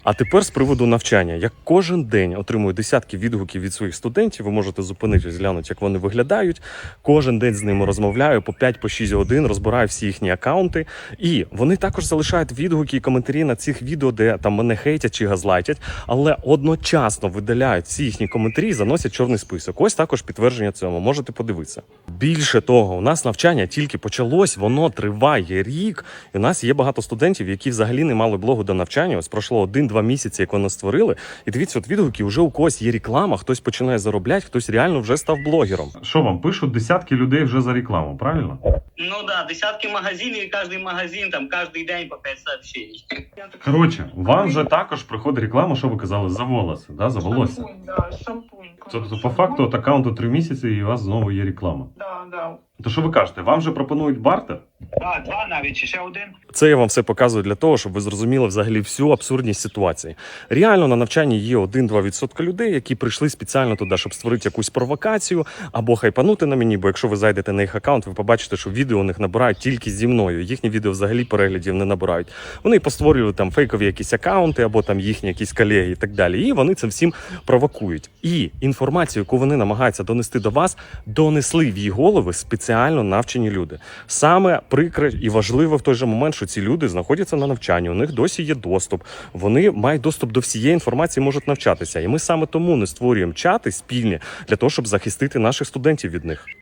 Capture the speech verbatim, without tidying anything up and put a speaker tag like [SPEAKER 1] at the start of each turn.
[SPEAKER 1] А тепер з приводу навчання. Я кожен день отримую десятки відгуків від своїх студентів. Ви можете зупинитись, глянути, як вони виглядають. Кожен день з ними розмовляю по п'ять-шість годин, розбираю всі їхні акаунти. І вони також залишають відгуки і коментарі на цих відео, де там мене хейтять чи газлайтять, але одночасно видаляють всі їхні коментарі і заносять чорний список. Ось також підтвердження цьому. Можете подивитися. Більше того, у нас навчання тільки почалось, воно триває рік. І у нас є багато студентів, які взагалі не мали блогу до навчання. Ось пройшло один-два місяці, як вони створили. І дивіться, от відгуки, вже у когось є реклама, хтось починає заробляти, хтось реально вже став блогером. Що вам пишуть десятки людей вже за рекламу, правильно?
[SPEAKER 2] Ну да, десятки магазинів, і кожен магазин, там, кожен день по п'ять сообщений.
[SPEAKER 1] Коротше, вам вже також приходить реклама, що ви казали, за волоси, да, за волосся.
[SPEAKER 3] Шампунь, да, шампунь.
[SPEAKER 1] Тобто, по факту, от аккаунту три місяці і у вас знову є реклама.
[SPEAKER 3] Да, да.
[SPEAKER 1] То що ви кажете, вам же пропонують бартер?
[SPEAKER 2] Так, два навіть, чи ще один.
[SPEAKER 1] Це я вам все показую для того, щоб ви зрозуміли взагалі всю абсурдність ситуації. Реально на навчанні є один-два відсотки людей, які прийшли спеціально туди, щоб створити якусь провокацію або хайпанути на мені, бо якщо ви зайдете на їх аккаунт, ви побачите, що відео у них набирають тільки зі мною. Їхні відео взагалі переглядів не набирають. Вони постворюють там фейкові якісь аккаунти або там їхні якісь колеги і так далі. І вони це всім провокують. І інформацію, яку вони намагаються донести до вас, донесли в її голови спеціально навчені люди. Саме прикре і важливо в той же момент, що ці люди знаходяться на навчанні, у них досі є доступ, вони мають доступ до всієї інформації, можуть навчатися. І ми саме тому не створюємо чати спільні для того, щоб захистити наших студентів від них.